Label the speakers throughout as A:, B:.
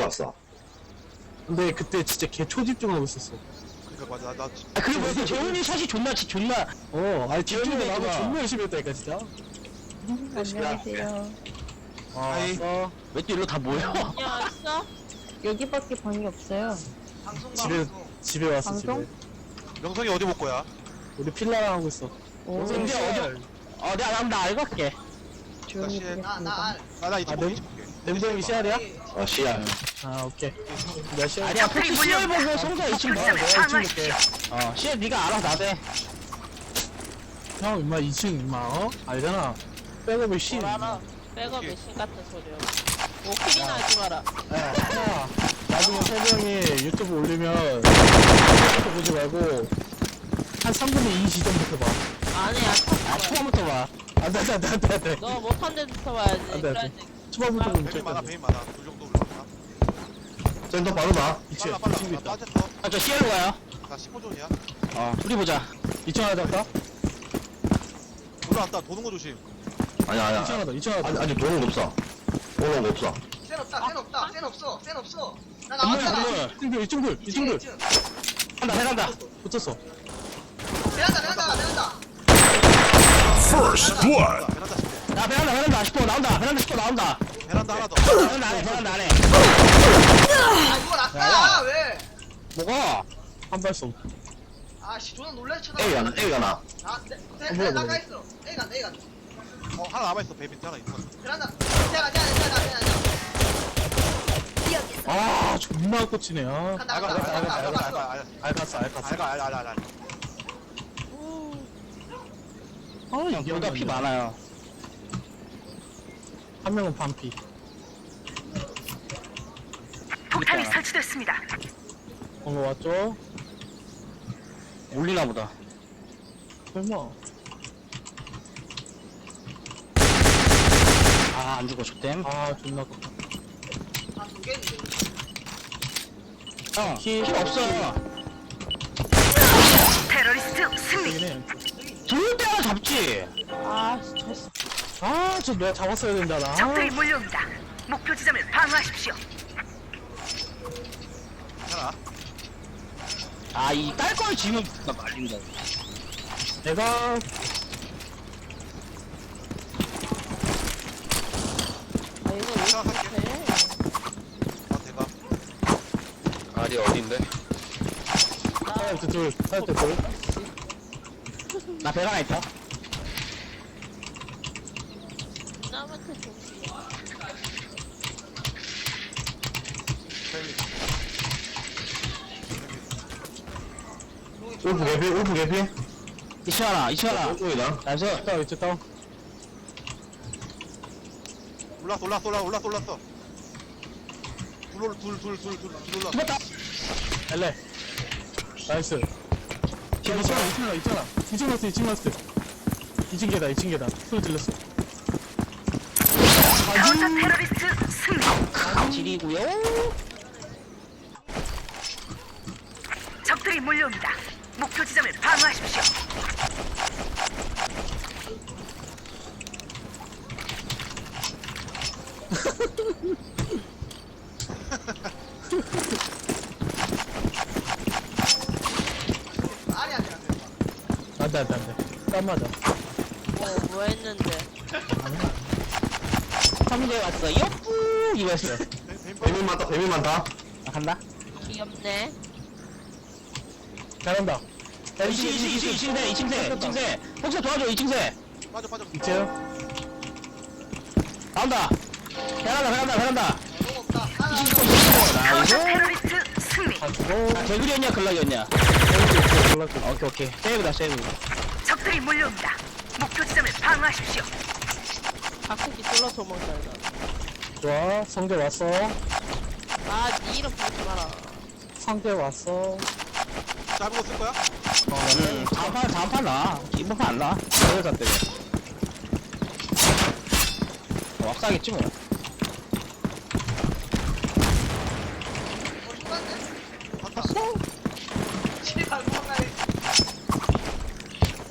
A: 들어갔어.
B: 근데 그때 진짜 개 초집중하고 있었어.
C: 그니까 맞아 나
D: 아 그리고 재훈이 샷이 존나
B: 아니 재훈이가 나도
D: 집중되구나.
B: 존나 열심히 했다니까 진짜.
E: 안녕하세요.
C: 아이.
B: 왔어.
D: 왜 또 일로 다 모여?
F: 안녕하세요.
E: 여기밖에 방이 없어요.
B: 집에 왔어
E: 방송?
B: 집에.
C: 명성이 어디 볼 거야?
B: 우리 필라랑 하고 있어.
E: 오,
D: 근데 내가 알고 갈게.
E: 조용히
C: 다시 해.
E: 보겠습니다.
C: 나나 이제
B: 아,
C: 볼게
B: 냄-
C: 이제 볼게
B: 냄새형이 씨알이야?
A: 씨야.
B: 아 오케이. 내가 씨알.
D: 아니야 폭스 CL 보고 성자 2층 봐.
B: 내가 2층 볼게.
D: CL 네가 알아 나대.
B: 형 임마 2층 임마 알잖아. 백업을 씨.
F: 뭘 알아? 백업 메신 같은 소리야. 오킬이나 하지 마라.
B: 야, 나중에 세명이 유튜브 올리면 유튜브 보지 말고 한 3분의 2 시점부터 봐.
F: 아니야.
D: 초반부터 봐.
B: 안돼.
F: 너 못한 데부터 봐야지.
B: 안 돼, 안 돼.
F: 그래야지.
B: 초반부터 보면
C: 베인 많아
B: 돼.
C: 베인 많아 둘 정도 올라왔나?
A: 센터 바로 나.
B: 2층
C: 빨라
B: 2층도
C: 나
B: 있다.
C: 빠졌어
D: 저 CL로 가요.
C: 나 15존이야
D: 둘이 보자.
B: 2층 하나 잡까?
C: 올라왔다 도는 거 조심
A: 아니야.
B: 2층 하나 더. 2층 하나 더.
A: 아직 도는 거 없어. 도는 거 없어.
G: 센 없다, 센 없다, 센 없어, 센 없어. 나
D: 건물
G: 나왔잖아.
D: 건물.
B: 2층들.
D: 한다 해간다.
B: 붙었어.
G: 베란다.
H: First blood.
C: 베란다 칠게
D: 나 베란다 10호 나온다. 베란다 10호 나온다.
C: 베란다 하나 더
D: 베란다 안에.
G: 아, 이거 났다. 왜?
D: 뭐가?
B: 한 발송.
G: 아, 씨, 존나 놀래 쳐다.
A: A가 나.
G: 아,
B: 뭐야,
G: 네,
B: 뭐야.
G: 나가 있어. A 간다.
C: 하나 남아있어 베인 하나 있어
G: 베란다. 내가.
B: 아 존나 꽂히네. 아.
G: 간다.
B: 알갔어.
C: 알가
B: 아
D: 여기보다 피 많아요.
B: 한 명은 반피.
D: 폭탄이 설치됐습니다.
B: 거 왔죠?
D: 올리나 보다.
B: 설마.
D: 안 죽어 족댐.
B: 아 존나 꽂혀.
G: 아, 두 개인데.
D: 형,
B: 키-
D: 킬 없어.
B: 되긴 해.
D: 좋을 때 하나 잡지.
F: 아, 졌어.
B: 저 내가 잡았어야 된다 나.
I: 적들이 몰려옵니다. 목표 지점을 방어하십시오.
C: 하나
D: 이 딸 걸 지면 나 말린다.
B: 내가
F: 아, 이거 왜
C: 생각할게
F: 이렇게
C: 나 대가
A: 알이 어딘데?
B: 사이트 둘.
D: 나 배가 하나 있다.
F: 남한테 좀.
A: 울프 개피?
D: 2층 하나.
A: 오쪽이다.
D: 나이스.
B: 다운 이제 다운.
C: 올랐어 둘 올랐어
D: 죽었다.
B: 엘레. 나이스. 있잖아. 2층 라스트. 2층 계단. 소리 질렀어.
I: 카운터 테러리스트 승리.
D: 지리고요.
I: 적들이 몰려옵니다. 목표 지점을 방어하십시오.
G: 아니.
B: 안돼. 땀 맞아.
F: 뭐 했는데.
D: 3대 왔어. 옆구 이거였어.
A: 뱀이 많다.
D: 간다.
F: 귀엽네.
B: 잘한다. 야
D: 2층세. 혹시 도와줘 2층세.
C: 빠져
B: 2층.
D: 나온다. 베란다.
G: 너무 없다. 하나.
D: 나이스.
I: 카운터 테러리스트 승리.
B: 다 죽어.
D: 개구리였냐 글락이었냐.
B: 올랐어.
D: 오케이. 세이브다.
I: 적들이 몰려옵니다. 목표 지점을 방어하십시오.
F: 바꾸기 졸라 도망잘
B: 좋아. 성대 왔어.
F: 아, 니 이름 부르지 마라.
B: 상대 왔어.
C: 짧은 거 쓸 거야?
D: 다음 판 나. 이번 판 안 나.
B: 내가 잤대.
D: 왁사겠지 뭐.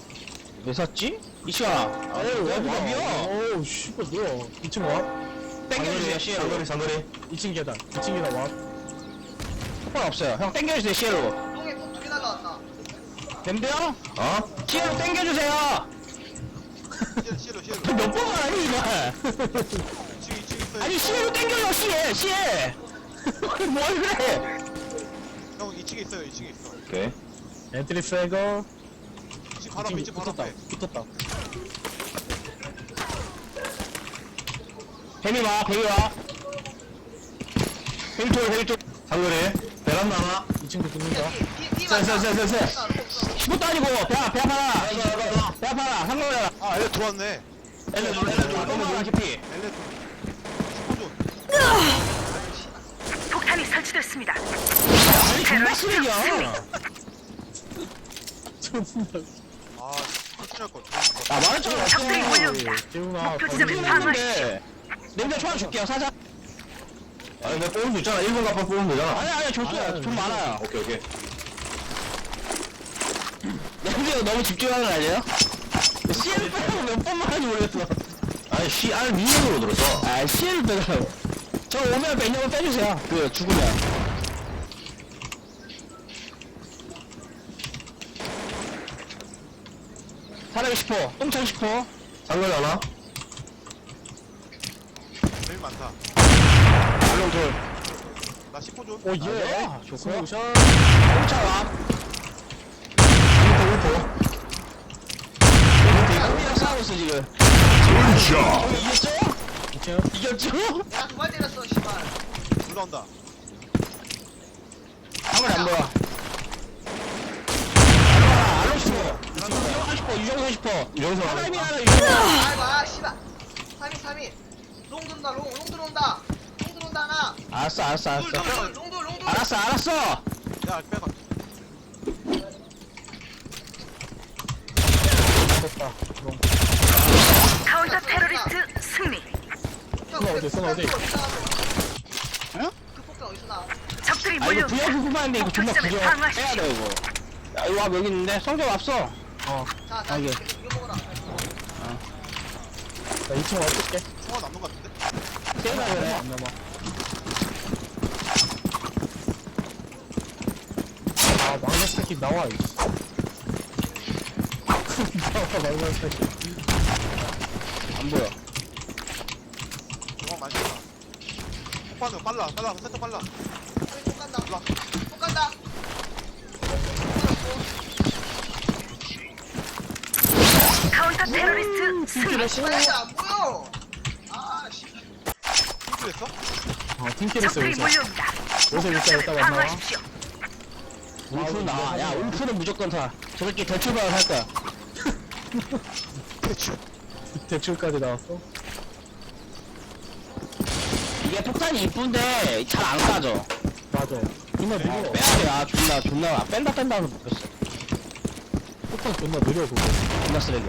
B: 왜 샀지?
D: 이시야.
B: 에이, 왜
D: 와,
B: 비야? 어우, 씨발, 뭐야. 2층 와?
D: 땡겨주세요, CL로.
A: 장거리
B: 2층 계단. 2층 계단 와.
D: 폭발 없어요. 형 땡겨주세요, CL로.
G: 똥에 똥두개 날라왔다.
D: 됨돼요?
A: 어?
D: CL로 땡겨주세요.
C: 시엘로
D: 몇 번만 하니, 이발.
C: 2층 있어요.
D: 아니, CL로 땡겨요, CL. 뭘 그래?
C: 형 2층에 있어요. 2층에 있어.
A: 오케이
B: 엔트리 프레거.
C: 2층 바로 앞에 2층 바로
B: 붙었다.
C: 앞에.
B: 붙었다.
D: 뱀이 와, 뱀이 와. 뱀 쪽.
A: 장거리 베란다 하나
B: 2층도 붙는다.
A: 쎄.
D: 15도 아니고, 배 아파라. 배 아파라. 상관없어.
C: 아 엘레 들어왔네.
D: 엘레 너무 깊이.
C: 엘레 15존.
I: 폭탄이 설치됐습니다.
D: 아니, 정말 쓰레기야.
C: 아 터치할 걸.
D: 나 말했잖아.
I: 적들이 몰려옵니다.
B: 재훈아.
I: 목표 지점을
B: 거기
I: 방어하십시오.
D: 냄새 초안 줄게요, 사자.
A: 아니 내가 뽑으면 되잖아 1번 갚아 뽑으면 되잖아
D: 아니, 줬어요. 돈 많아요.
A: 오케이
D: 냄새가 너무 집중하는 거 아니에요? CL 빼고 몇 번만 하는지 모르겠어.
A: 아니 CR 미니으로 들었어
D: 아, CL 빼고. 저 오면 매니저만 빼주세요. 죽으면. 사람이 10호, 똥창 10호.
A: 장거리 하나
C: 제일 많다.
D: 알롱 돌.
C: 나 10호존.
B: 오 예.
D: 아, 좋고요.
B: 스모션.
D: 똥창 와. 똥이랑 싸우고 있어, 지금.
H: Good job.
D: 이겼죠?
B: 2층.
D: 이겼죠?
G: 내가 두 발 때렸어, 씨발.
C: 올라온다.
D: 아무리 안 보여. 알롱 10호. 유정선 10호, 유정선 10호.
A: 유정선
D: 사람이
A: 하나
D: 하나, 유정선.
G: 아이고, 아, 씨발. 3인. 롱 들어온다, 롱 들어온다. 롱 들어온다, 하나.
D: 알았어.
G: 롱.
D: 알았어.
C: 야 빼가.
B: 됐다. 그럼.
I: 카운터 테러리스트 승리.
B: 손 어디?
D: 응?
G: 그 폭탄 어디서 나와?
I: 적들이
D: 아, 이거
I: 몰려옵니다.
D: 부여 구분하는데 이거 존나
I: 목표
D: 부여
I: 지점을
D: 빼야
I: 방어하십시오.
D: 돼, 이거. 야, 이거 와, 여기 있는데. 성적 앞서.
G: 자,
D: 아, 예.
G: 이거 먹어라.
B: 나 2층 와줄게.
C: 총알 남는 것 같은데.
D: 세나 그래.
B: 안 남아. 아 막내 스타킹 나와. 이씨. 나와 막내 스타킹.
D: 안 보여.
C: 총알 많이 나. 폭발은 빨라. 센터 빨라.
G: 폭 간다. 폭 간다.
I: 카운터 테러리스트 승리.
G: 씨발, 안 보여. 아, 씨.
C: 힘들했어?
B: 팀킬했어
I: 적들이
B: 여기서.
I: 몰려옵니다.
B: 여기서
I: 목표
B: 일단
I: 지점을
B: 이따 만나.
I: 방어하십시오.
D: 울프는 나. 야, 울프는 무조건 타. 저 새끼 대출받아 살 거야.
C: 대충.
B: 대출까지 나왔어.
D: 이게 폭탄이 이쁜데 잘 안 까져.
B: 맞아. 존나 느려.
D: 빼야 돼. 아, 존나. 뺀다 하면서 못 뺐어.
B: 폭탄 존나 느려 그거.
D: 존나 쓰레기.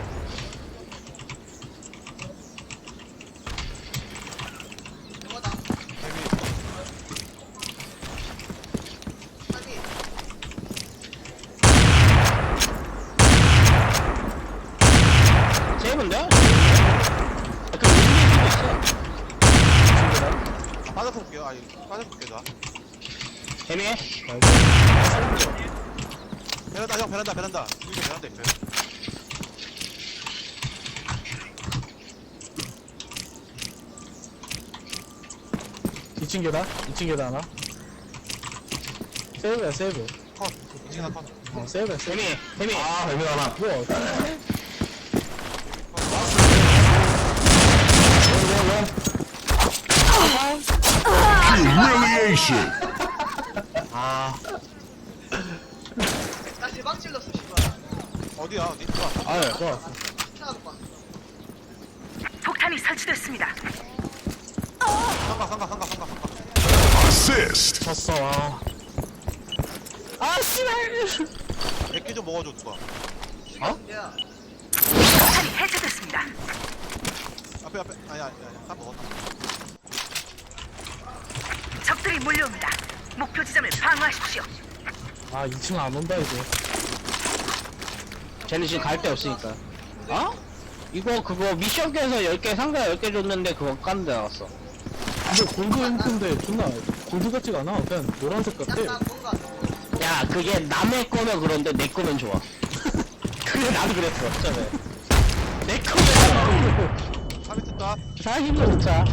G: 이거다.
C: 재미.
G: 3인.
D: 세이브인데? 그 의미가 있어.
C: 빠져서 볼게요. 빠져서 볼게요. 나.
D: 재미?
C: 베란다 형 베란다. 여기 베란다 있어요.
B: 이층 계단? 2층 계단 하나? 세이브야 세이브.
C: 컷. 2층 하나 컷.
B: 세이브야 세이브.
D: 재미.
A: 아 뱀이 하나
B: 뭐야?
H: Humiliation.
G: 나 대박 찔렀어, 씨발.
C: 어디야? 어디? 들어왔어?
B: 아유 좋아.
G: 찾아볼 거야.
I: 폭탄이 설치됐습니다.
C: 상가.
H: Assist.
B: 졌어. 아.
D: 아, 씨발.
C: 몇개 좀 먹어줘 누가.
G: 야,
I: 폭탄이 해체됐습니다.
C: 앞에. 아니야. 다 먹었다.
I: 적들이 몰려옵니다. 목표 지점을 방어하십시오.
B: 아 2층 안 온다 이제.
D: 쟤는 지금 갈 데 없으니까. 어? 이거 그거 미션께서 10개 상자 10개 줬는데 그거 깐데 나왔어.
B: 근데 골드 잉크인데 존나 골드 같지가 않아. 그냥 노란색 같아.
G: 약간 뭔가
D: 야, 그게 남의 거면 그런데 내 거면 좋아. 그래, 나도 그랬어, 처음에. 내 거면
C: 3위 뜬다.
D: 사힘도 좋자.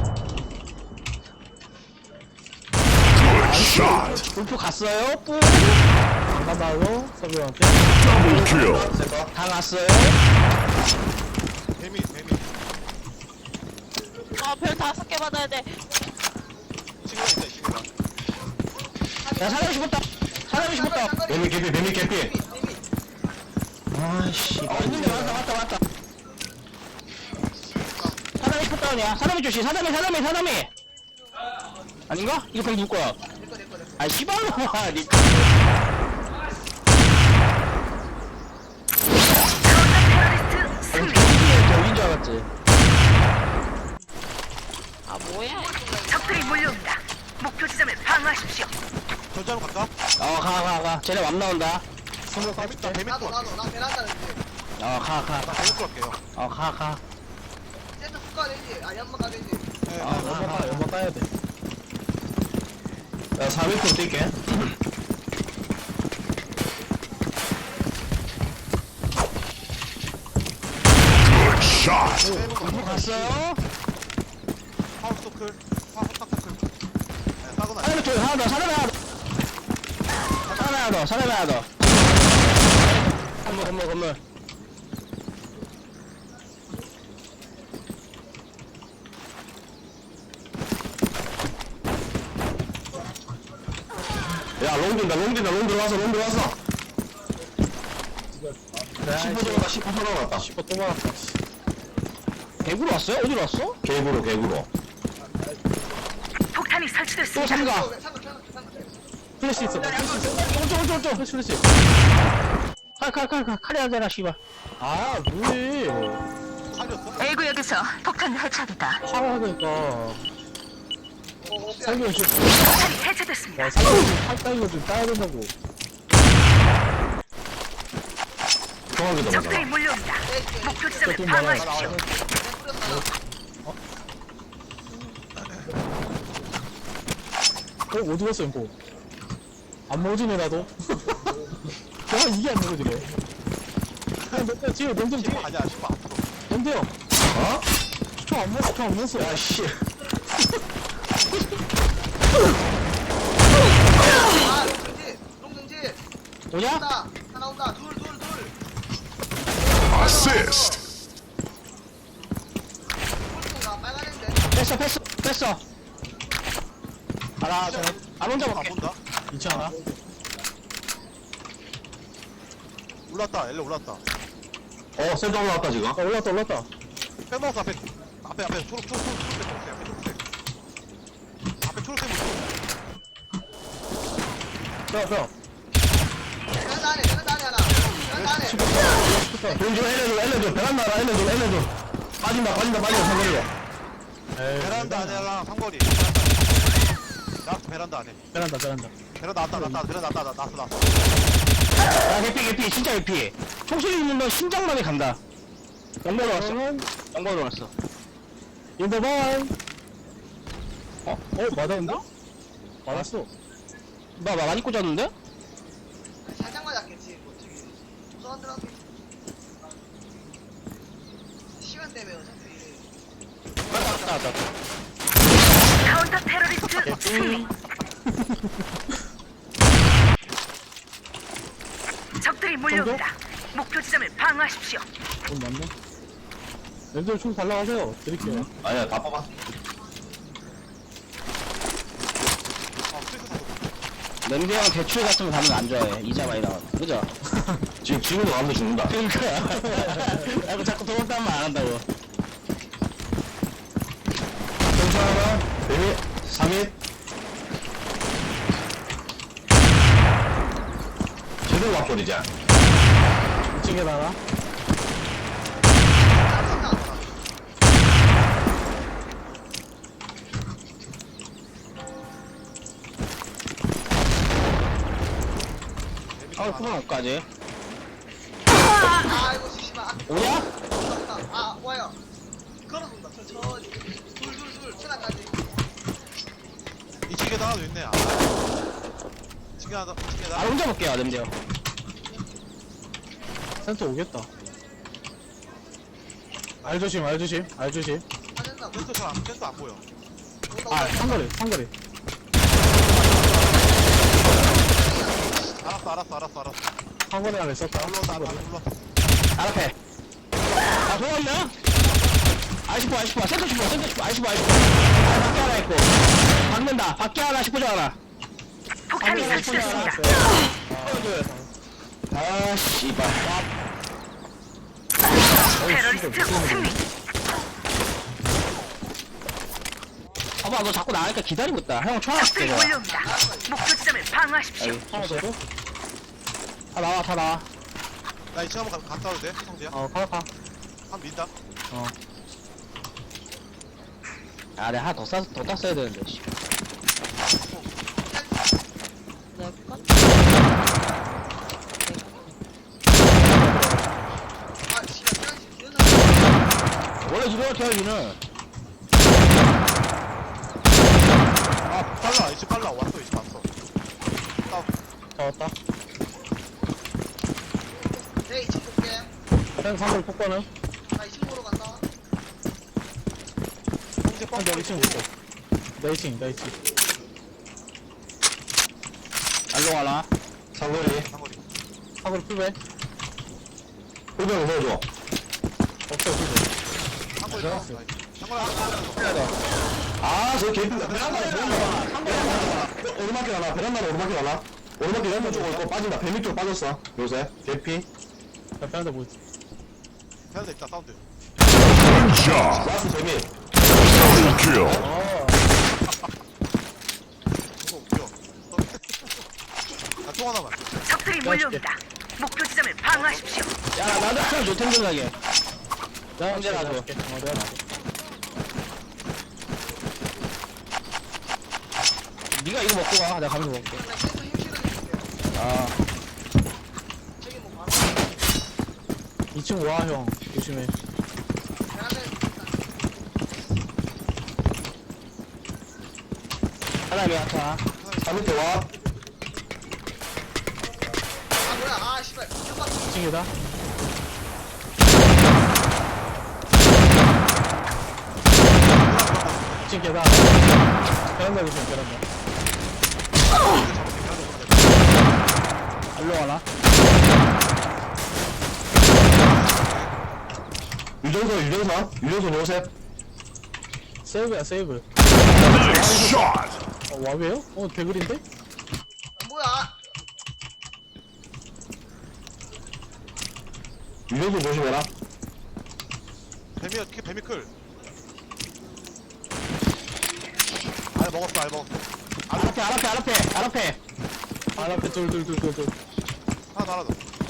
H: Good shot.
D: 골프 갔어요? 뿌.
B: 나나요? 서비한테.
H: Double kill.
D: 다 갔어요?
C: 데미.
F: 별 5개 받아야 돼.
C: 시그널 있다, 시그널.
D: 야, 사람 죽었다. 사람이 죽었다.
A: 뱀이 개피 뱀이 개피.
D: 아씨. 있는데 왔다. 사람이 컷다운이야. 사람이 조심. 사람이. 아닌가? 이거 그럼 누구 거야? 아, 씨발로마. 니.
I: 테러리스트 승리.
D: 저긴 줄 알았지.
F: 아, 뭐야.
I: 적들이 몰려옵니다. 목표 지점을 방어하십시오.
C: 전자로 갈까?
D: 가. 쟤네 맘 나온다.
C: 나 데미
G: 나도
C: 또
G: 나도 나 베란다는데
D: 가.
C: 나 데미 또 할게요.
D: 가.
G: 센터 훅 가야 되지 아 연막 가야 되지
C: 네,
B: 연막 까야 돼.
A: 야 4m 뛸게.
H: Good shot.
D: 골프 갔어요?
C: 하우스 토클. 하우스 토클. 네, 싸구나.
D: 하나 더, 하나 더. 사람 하나 더. 건물.
A: 야 롱 들어왔어. 10호 들어갔다 10호 들어갔다.
B: 10번 또 말았다.
D: 대구로 왔어요? 어디로 왔어?
A: 개구로.
I: 폭탄이
D: 또
I: 설치됐습니다.
D: 삼가.
B: 플래시 있어.
D: 오른쪽.
B: 플래시.
D: 칼이 하잖아, 씨발.
B: 아 뭐해?
C: 살렸어?
I: A 구역에서 폭탄 해체됐다.
B: 하라니까. 살기 좀.
I: 폭탄이 해체됐습니다.
B: 살기 좀 따위가 좀 따야 된다고.
A: 정확히
I: 적들이
A: 넘어가.
I: 몰려옵니다. 목표 지점을
B: 좀
I: 방어하십시오.
B: 어디 갔어 이거? 안 먹어지네 나도. 야 이게 안 먹어지네. 야 뒤에 명점 뒤에
C: 아니야, 10번 앞으로.
B: 명대요.
A: 어?
B: 총안 먹었어.
A: 야 씨.
G: 아 롱등지
D: 뭐냐?
G: 하나 온다 둘
H: Assist.
G: 홀통가 빨간인데
D: 뺐어. 알아, 안 혼자
C: 안
D: 볼게.
C: 본다.
B: 있지 않아?
C: 올랐다, 엘레 올랐다.
A: 센터 올라왔다 지금.
B: 올랐다.
C: 빼먹었어, 앞에 초록색. 앞에 초록색 물.
B: 뼈.
G: 베란다 안에 하나 베란다 안에
A: 좀 엘레도 베란다 빠진다 상거리로.
C: 베란다 안에랑 상거리. 나스 베란다 안에.
B: 베란다.
C: 베란다 났다.
D: 야, 개피. 진짜 개피. 총소리 있는 건 심장만이 간다. 영번으로 왔어.
B: 인더바이. 맞았나? 맞았어.
D: 나 많이 꽂았는데?
G: 살짝 맞았겠지 뭐 저기 무서웠더라고 시간 때문에 어차피
D: 맞다.
I: 카운터 테러리스트 승리. 적들이 몰려옵니다. 목표 지점을 방어하십시오.
B: 돈 맞네. 랜들 총 달라가세요. 드릴게요.
A: 아니야 다 뽑아.
C: 스위스 사고.
D: 냄새랑 대출 같은 거 가면 안 좋아해. 이자 많이 나와. 그죠?
A: 지금도 가면 죽는다.
D: 그러니까. 야, 자꾸 돈 없다는 말 안 한다고.
A: 괜찮아. 뱀이 3일. 제대로 와버리자.
B: 2층에 나라.
D: 그만 옷까지.
G: 아이고 씨발
D: 오냐?
G: 아 와요 걸어본다 천천히 둘 천하까지
C: 층계단 하나도 있네. 아. 층계단.
D: 아 혼자 볼게요 냄새요.
B: 센터 오겠다. 알 조심, 알 조심, 알 조심.
G: 빠졌나 보다.
C: 센터 안 보여.
B: 아, 상거리, 상거리.
C: 알았어.
B: 상거리 안에 썼다.
C: 올라왔다.
D: 알 앞에. 아 도왔나? 아이스포 센터 슈퍼 아이스포 밖에 하나 있고 박는다 밖에 하나 슈퍼 하나.
I: 폭탄이 설치됐습니다.
D: 아 씨발.
I: 테러리스트 승리.
D: 봐봐 너 자꾸 나가니까 기다리고 있다. 형 총 하나 줄게
I: 적들이
D: 내가.
I: 몰려옵니다. 목표 지점을 방어하십시오.
B: 하나 더 줘? 다 나와, 다 나와.
C: 나 2층 한번 갔다 와도 돼? 성재야?
B: 가.
C: 한 민다.
D: 아 내가 하나 더 땄어야 되는데 씨.
F: 내 건?
G: 아 씨발 태양씨 기어나.
D: 원래 이렇게 해야지는.
C: 아 빨라. 이제 빨라. 왔어. 이제 왔어.
B: 다 왔다.
G: 내 2층 볼게.
B: 형 상거리 폭발은?
G: 나 2층 보러 간다.
C: 성재
B: 형, 내 2층 볼게. 내 2층.
D: 알로 가나?
A: 상거리.
C: 상거리.
B: 상거리 풀배.
A: 후배로 넣어줘.
B: 없어, 풀배.
C: 상거리.
B: 들어갔어.
C: 상거리.
A: 아, 저 개피. 베란다에 오르막길 하나. 베란다로 오르막길 하나. 오르막길 왼쪽 쪽으로 또 빠진다. 뱀이 쪽 빠졌어. 요새. 개피.
B: 야, 빼는데 뭐 있지?
C: 배한대 있다. 사운드.
H: Good job.
A: 라스 재미.
H: Double kill.
C: 이거 웃겨. 나총 하나만.
I: 적들이 몰려옵니다. 목표 지점을 방어하십시오.
D: 야 나도 하나 줘 탱글하게.
B: 내가
D: 형제 놔줘.
B: 놔줄게. 내가 놔줘.
D: 네가 이거 먹고 가. 내가 가면서 먹게.
G: 나 계속 힘 실어줄게.
D: 아
G: 저기 뭐 바로
B: 2층 와, 형. 조심해.
G: 베란다에 있다.
D: 하나 왜 아파?
A: 3m 와.
G: 아 뭐야? 아 씨발. 잠깐.
B: 2층이다. 층 계단. 베란다 조심, 베란다. 알로 가나?
A: 유정선 요셉.
B: 세이브야, 세이브.
H: Nice shot.
B: 와베요? 대글인데?
G: 뭐야?
A: 유정선 조심해라.
C: 뱀이 클. 알 먹었어.
D: 알 앞에.
B: 알 앞에 둘.
C: 하나 더.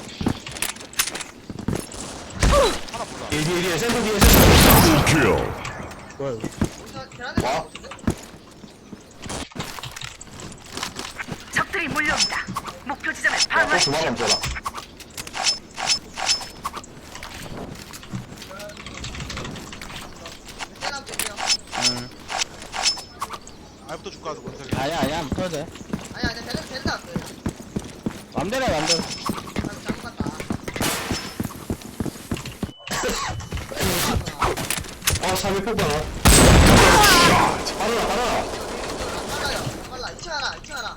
C: 하나 몰라.
A: 뒤에 센터 뒤에.
H: Double kill.
B: 뭐야, 이거?
G: 어디서 베란다에
A: 와.
G: 있는데?
I: 적들이 몰려옵니다. 목표 지점을
A: 또
I: 방어하십시오.
A: 주마감 줘라.
G: 베란다 줄게요.
C: 알부터 줄까? 원석이.
D: 아니야 못해도 돼.
G: 아니 베란다 안 돼.
D: 맘대로 해 맘대로.
G: 나 잘못 갔다.
A: 아, 3일 폭발. 빨라.
G: 빨라. 2층 하나.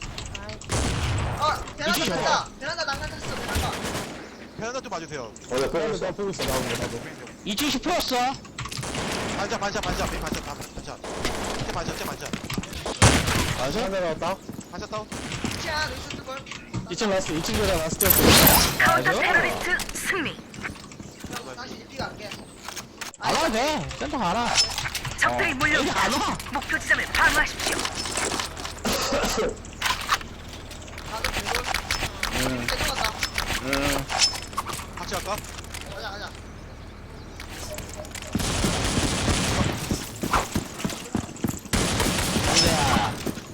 G: 베란다 탔다. 베란다 난간탔어. 베란다.
C: 베란다 좀 봐주세요.
A: 나 빼고
B: 나 보고 있어, 나오는 거, 나도.
D: 2층 풀었어.
C: 반샷. 밑에 반샷.
B: 한 대 나왔다.
C: 반샷 다운.
G: 2층 하나 있었을 걸.
B: 2층 라스트, 2층 계단 라스트.
I: 카운터 테러리스트 승리.
G: 형 다시 입비가 할게.
D: 안 와도 돼. 센터 가라.
I: 적들이
D: 여기
I: 몰려옵니다.
D: 안 와.
I: 목표 지점을 방어하십시오.
G: 나도 배돌. 배돌 간다.
C: 같이 갈까?
G: 가자.
D: 형제야.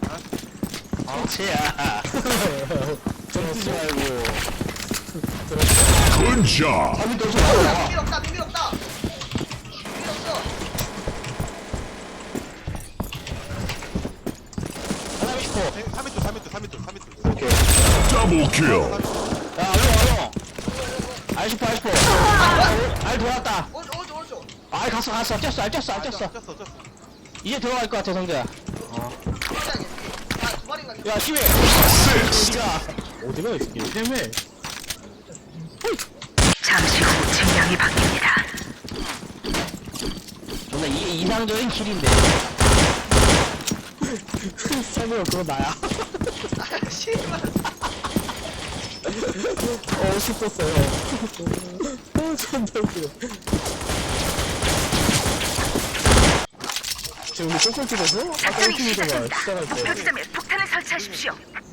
D: 형제야. 좀 뛰지 말고.
H: Good job.
A: 3일 또 나와.
G: 비밀 없다. 비밀 없어.
A: 오케이.
H: Double kill.
D: 야, 얼른. 알시포. 알 돌았다.
G: 오른쪽.
D: 알 갔어. 뛰었어. 이제 들어갈 것 같아, 성재야.
G: 두 마리인가?
D: 야, 시위.
H: Assist.
D: 우리가.
B: 어디가 이 새끼 때문에
I: 잠시 후 진영이 바뀝니다.
D: 존나 이게 이상적인 킬인데.
B: 사무야 그거 나야
G: 아, 씨발.
B: 싶었어요 존나 웃기네 지금 우리 꼴꼴 찍었어? 아까
I: 작전이
B: 1팀이더만
I: 시작됩니다.
B: 시작할
I: 목표
B: 때
I: 지점에 폭탄을 설치하십시오.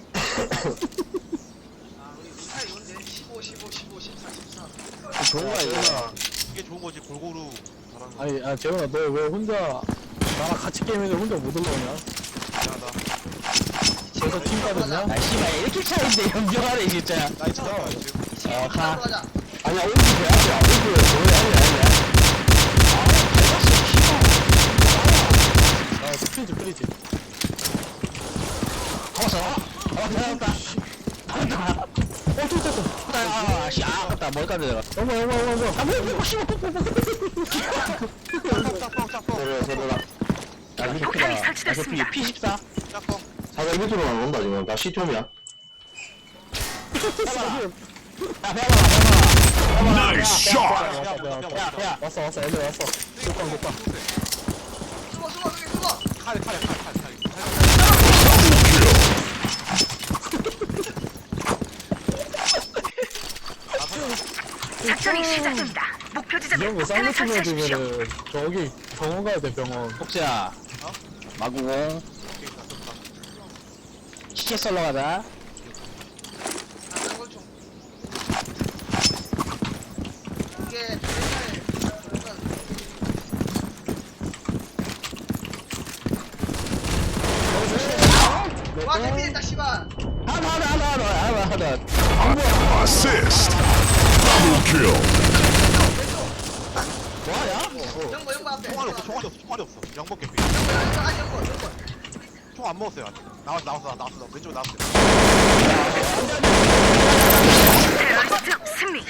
G: 아, 우리 루타 이건데 15, 14.
D: 좋은 거야, 이거.
C: 이게 좋은 거지. 골고루 잘하는 거.
B: 아니 재훈아 너 왜 혼자 나랑 같이 게임해서 혼자 못 올라오냐?
C: 미안하다.
B: 그래서 팀 빠졌냐?
D: 아, 씨발, 이렇게 차인데, 연병하네, 진짜.
C: 나 이제 나와 지금.
D: 가.
G: 가자.
A: 아니야, 오른쪽 해야지. 오른쪽 아니야.
B: 아 프리지
D: 잡았다. 아깝다. 머리까지 내가.
B: 어머
D: 아, 뭐, 씨발,
C: 짝뻥.
A: 서로라.
D: 야,
I: 폭탄이
D: 아,
I: 설치됐습니다.
D: P14.
C: 짝뻥.
A: 사자 1m로 나온다, 지금. 나 C톰이야.
D: 야, 배워봐.
H: Nice shot.
D: 야.
B: 왔어 애들 왔어 독방
G: 숨어.
C: 칼.
I: 작전이 시작됩니다. 목표 지점에
B: 이런 거
I: 폭탄을
B: 쌍무
I: 설치하십시오.
B: 치면 저기 병원 가야 돼 병원
D: 복수야. 마구공. 시체 썰러 가자.
G: 장골총. 이게 옛날에 와, 대피했다, 씨발.
D: 하나.
H: Assist. Double kill.
G: 영거 앞에.
C: 총알이 없어. 영번 개피.
G: 영거.
C: 총 안 먹었어요 아직. 나왔어. 왼쪽 나왔어.
I: 테러리스트 승리.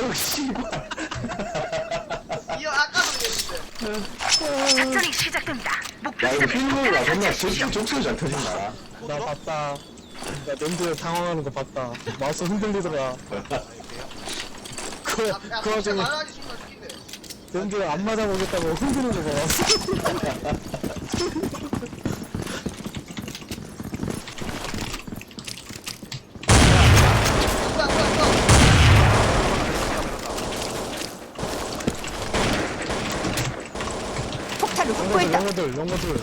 G: 이어 아까도 그랬는데.
I: 작전이 시작됩니다. 목표
A: 야, 이거
I: 지점에
A: 필모가
I: 폭탄을
A: 존나
I: 설치하십시오.
A: 적소리 잘 터진다.
B: 나 봤다 나 랜드 당황하는 거 봤다 마우스 흔들리더라 그
G: 야,
B: 그
G: 진짜
B: 와중에
G: 말하지 순간 죽인데.
B: 랜드 안 맞아보겠다고 흔드는 거 봤어
G: 누가.
I: 폭탄을
B: 영어들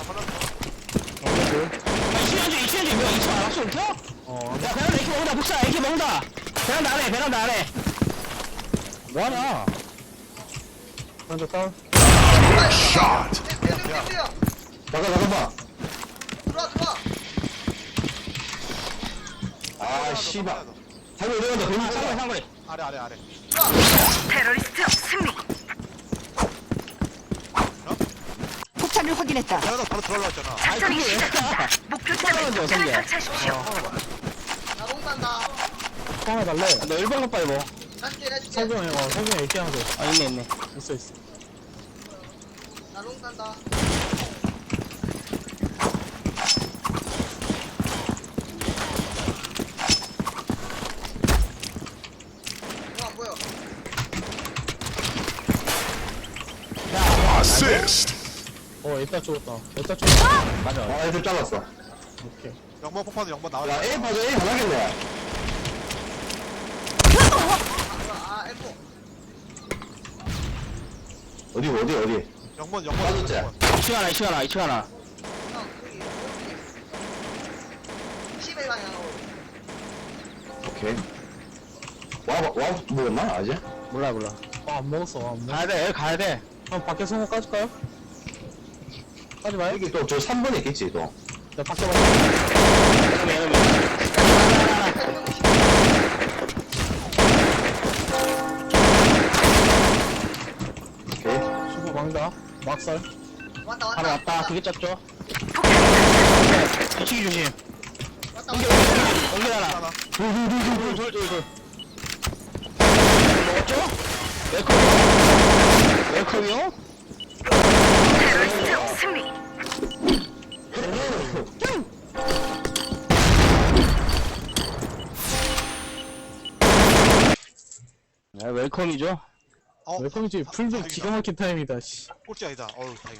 D: 이치현주 뭐 2층 안 왔어, 이렇게? 야, 베란다 AK 먹는다, 복사, AK 먹는다. 베란다 안에. 뭐하냐?
B: 먼저 다운
H: Shot.
G: 땡겨.
A: 나가.
G: 들어와.
A: 아, 씨발. 상대 내려간다, 뱀이
D: 상거리.
C: 아래.
I: 테러리스트 승리. 폭탄을 확인했다.
C: 내가 바로 들어올라왔잖아.
I: 작전이 시작됩니다. 목표 지점에
D: 성게.
I: 폭탄을 설치하십시오.
G: 나 롱단다.
B: 하나 달래
D: 너 1번 가 빨리 뭐.
G: 해줄게.
B: 성경이 얘기 하나 줘
D: 아, 있네.
B: 있어
G: 나 롱단다. 안 보여.
H: Assist.
B: 애따 죽었다
D: 맞아.
A: 아, 애들 잘랐어.
B: 오케이
C: 영번 폭파도 영번 나와.
A: 야, A 봐줘, A 하나겠네.
G: 아, F.
A: 어디?
C: 영번.
A: 맞았지?
D: 2층 하나.
G: 형, 여기. 10에 방향으로.
A: 오케이. 와, 뭐였나, 아직?
D: 몰라.
B: 안 먹었어
D: 가야 돼.
B: 형 밖에 성공 까줄까요? 까지 마요
A: 여기 또 저 3번에 있겠지, 또.
B: 야 밖에 봐
A: 오케이.
B: 수고 망다 막살
G: 왔다.
D: 바로 왔다. 그게 짰죠?
I: 폭탄이 설치하십시오.
D: 뒤치기 조심.
G: 왔다.
D: 하나.
C: 둘.
D: 먹었죠? 웰컴이요?
I: 테러리스트 승리.
D: 네, 웰컴이죠.
C: 어,
B: 웰컴이지. 풀도 기가 막힌 타임이다, 씨.
C: 꼴찌 아니다. 어우, 다행이다.